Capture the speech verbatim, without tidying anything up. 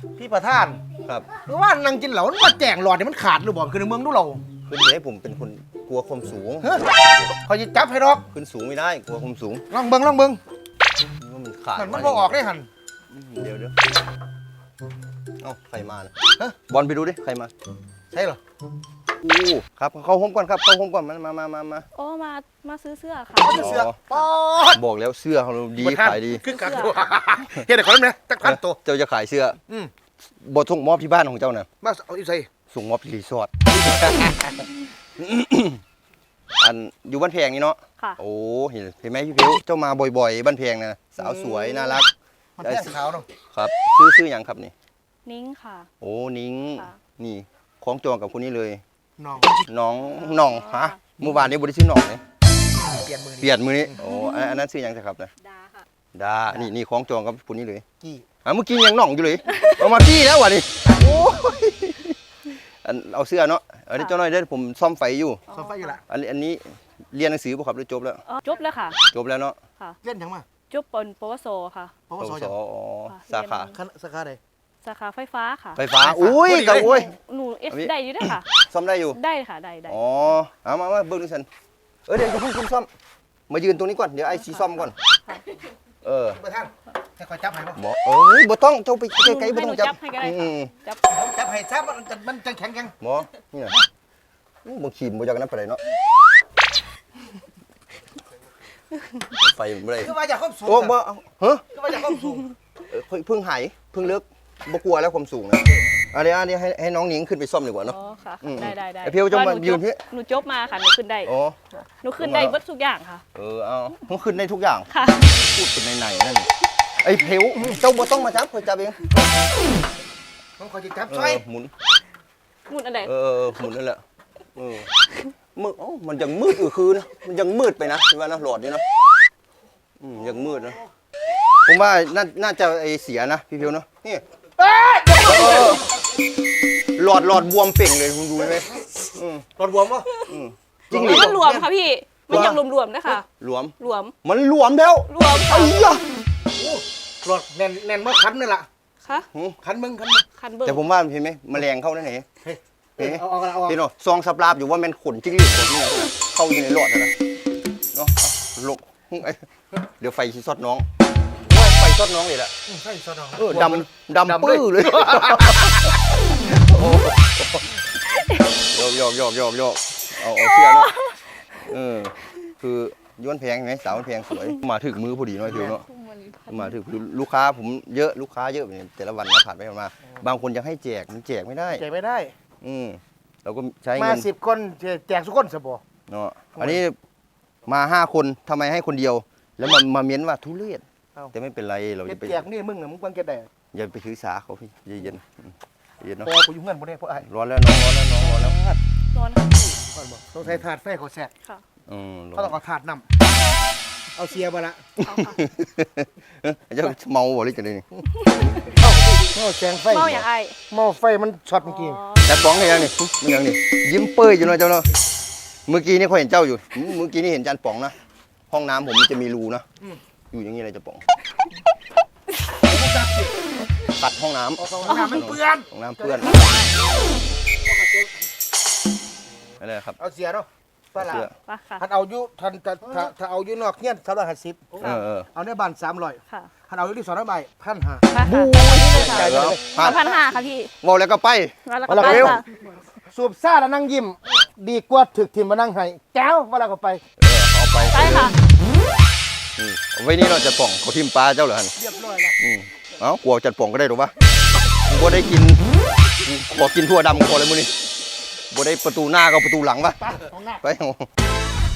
พี่ประธานครับหรือว่านั่งกินเหล้ามันมาแจงหลอดเนี่ยมันขาดหรือบ่คือในเมืองดูเราคือเดี๋ยวให้ผมเป็นคนกลัวความสูงเฮ้ยเขาจะจับให้ดอกขึ้นสูงไม่ได้กลัวความสูงลองเบิ่งลองเบิ่งว่ามันขาดมันมันบ่ออกได้หันเดี๋ยวเดี๋ยวเอ้าใครมานะฮะบอลไปดูดิใครมาใช่เหรออู้ครับเข้าห้องก่อนครับเข้าห้องก่อนมามามามามาโอ้มามาซื้อเสื้อค่ะเขาจะเสือกปอดบอกแล้วเสื้อเขาดีขายดีขึ้นกันตัวเฮ็ดให้คนนั้นนะจักพันตัวเจ้าจะขายเสื้ออืมบทส่งมอบที่บ้านของเจ้าน่ะมาเอาอีใส่ส่งมอบที่รีสอร์ท อันอยู่บ้านแพงนี่เนาะค่ะโอ้เห็นเห็นไหมพี่พิวเจ้ามาบ่อยๆบ้านแพงนะสาวสวยน่ารักมันแท่งขาวเนาะครับซื้อซื้ออย่างครับนี่นิ้งค่ะโอ้นิ้งค่ะนี่คล้องจองกับคนนี้เลยน้องน้องน้องฮะเมื่อวานนี้บริษัทน้องเลยเปลี่ยนมือเปลี่ยนมือนี้โอ้อันอันนั้นซื้ออย่างจะครับนะดาค่ะดานี่นี่คล้องจองกับคนนี้เลยกี่อ่ะเมื่อกี้ยังน้องอยู่เลยเอามากี้แล้ววะนี่โอ้ยอันเอาเสื้อเนาะอันนี้เจ้าน้อยได้อผมซ่อมไฟอยู่โซฟาอยู่ละอันนี้อันนี้เรียนหนังสือป่ะครับหรือจบแล้วอ๋อจบแล้วค่ะจบแล้วเนาะค่ะเล่นยังมาจบปนปวโสค่ะปวปสวสยังอ๋อค่ะสาขาเรียนคณะสาขาใดสาขาไฟฟ้าค่ะไฟฟ้าอุ้ยกับโอ้ยหนูเอสอันนี้ได้อยู่ด้วยค่ะซ่อมได้อยู่ได้ค่ะได้ได้อ๋อเอามามาเบิ้งดูสันเออเดี๋ยวจะเพิ่งคุณซ่อมมายืนตรงนี้ก่อนเดี๋ยวไอ้ซีซ่อมก่อนเออประธานให้คอยจับให้บ่หมอเอ้ยบ่ต้องเจ้าไปไกลๆบ่ให้หต้นูองจับจับให้ก็ได้อืค่ะมจับจับให้ซับมันจะมันจะแข็งยังหมอนี่น่ะอู้บ่ขีมบ่อยากนั้นไปเลยเนาะไฟมันบ่ได้คือว่าจะความสูงโอ้บ่เอาฮะคือว่าจะความสูงเออเพิ่งหายเพิ่งเลิกบ่กลัวแล้วความสูงนะอันนี้อันนี้ให้ให้น้องหนิงขึ้นไปซ่อมดีกว่าเนาะอ๋อค่ะอืมได้ได้ได้ไอ้เพียวจะมาพระหยืนที่จบหนูจบมาค่ะหนูขึ้นได้อ๋อหนูขึ้นได้เบิดทุกอย่างค่ะเออเอามันขึ้นได้ทุกอย่างค่ะพูดเป็นในๆนั่นไอ้เพวเจ้าบ่ต้องมาจับคอยจับเองต้องคอยจะจับเอช่วยอหมุนมุดอันไหนเออหมุนนั่นแหละเออมืดอ๋อมันยังมืดอยู่คืนนะมันยังมืดไปนะใช่ไหมนะหลอดนี่นะอืมยังมืดนะผมว่าน่าน่าจะไอเสียนะพี่เพวเนาะนี่เออหลอดหลอดบวมเป่งเลยคุณดูไหมอืมรถบวมวะอืมจริงหรืมันรวมค่ะพี่มันยังรวมๆนะคะหลวมรวมมันหลวมแล้วรวมค่ะไอ้ยะรถแน่นแน่นเมื่อคันนี่แหละค่ะคันมึงคันมึงคันเบิร์แต่ผมว่าเห็นไหมแมลงเข้าได้ไหนเฮ้ยเห็นไหมเอาเอาเอาเอาเห็นเนาะซองสับลาบอยู่ว่ามันขนจิ้งหรีดขนนี่นะเข้าอยู่ในหลอดนะนะเนาะลกไอ้เดี๋ยวไฟชิซอดน้องว่าไฟซอดน้องเลยแหละใช่สนองเออดำดำปื้อเลยโยกโยกโยกโยกโยกเอาเอาเสื้อเนาะเออคือย้วนแพงไหมสาวมันแพงสวยมาถึงมือพอดีเนาะพี่เนาะมาถึงคือลูกค้าผมเยอะลูกค้าเยอะเนี่ยแต่ละวันนะผ่านไปผ่านมาบางคนยังให้แจกมันแจกไม่ได้แจกไม่ได้อืมเราก็ใช้มาเงินสิบคนแจกทุกคนสบอเนาะอันนี้มาห้าคนทำไมให้คนเดียว แล้วมามาเม้นว่าทุเรศแต่ไม่เป็นไรเราจะไปแจกนี่มึงน่ะมึงควรจะได้อย่าไปถือสาเขาพี่เย็นๆอืมเย็นเนาะพอกูอยู่เงินบ่ได้เพราะไอ้ร้อนแล้วน้องร้อนแล้วน้องร้อนแล้วนอนค่ะพี่ก่อนบอกต้องใช้ถาดไฟเขาแสกค่ะอืมเขาต้องเอาถาดนำเอาเสียมาละเอาค่ะเจ้าเมาบ่หรือจะได้นี่เอาแสงไฟเมาอย่างไอหม้อไฟมันช็อตเมื่อกี้แต่ป้องให้ยังนี่มันยังนี่ยิ้มเป้ยอยู่เนาะเจ้าเนาะเมื่อกี้นี่เขาเห็นเจ้าอยู่อืมเมื่อกี้นี่เห็นจานป๋องนะห้องน้ำผมมันจะมีรูนะอยู่อย่างนี้เลยจะป๋องตัดห้องน้ำเอาเข้าห้องน้ำมันเปื้อนห้องน้ำเปื้อนอะไรครับเอาเสียเนาะปลาละเสื้อไปค่ะถ้าเอาอยู่ทันถ้าถ้าถ้าเอาอยู่นอกเงี้ยสามร้อยห้าสิบเออเออเอาในบ้านสามร้อยค่ะถ้าเอาอยู่ที่สองร้อยใบพันห้าไปค่ะเดี๋ยวสามพันห้าค่ะพี่เว่าแล้วก็ไปแล้วเอาก็ละไปเร็วค่ะสูบซ่าแล้วนั่งยิ้มดีกว่าถึกทิมมานั่งให้แก้วเวลาก็ไปเออเอาไปไปค่ะอืมเอาไว้นี่เราจะป่องเขาทิมปลาเจ้าเหรอฮันเรียบร้อยแล้วอืมเอ้ากลัวจัดป่องก็ได้หรือปะบ่ได้กินขอกินทั่วดำขอเลยมื้อนี้บ่ได้ประตูหน้าก็ประตูหลังปะไปของหน้าไปเอา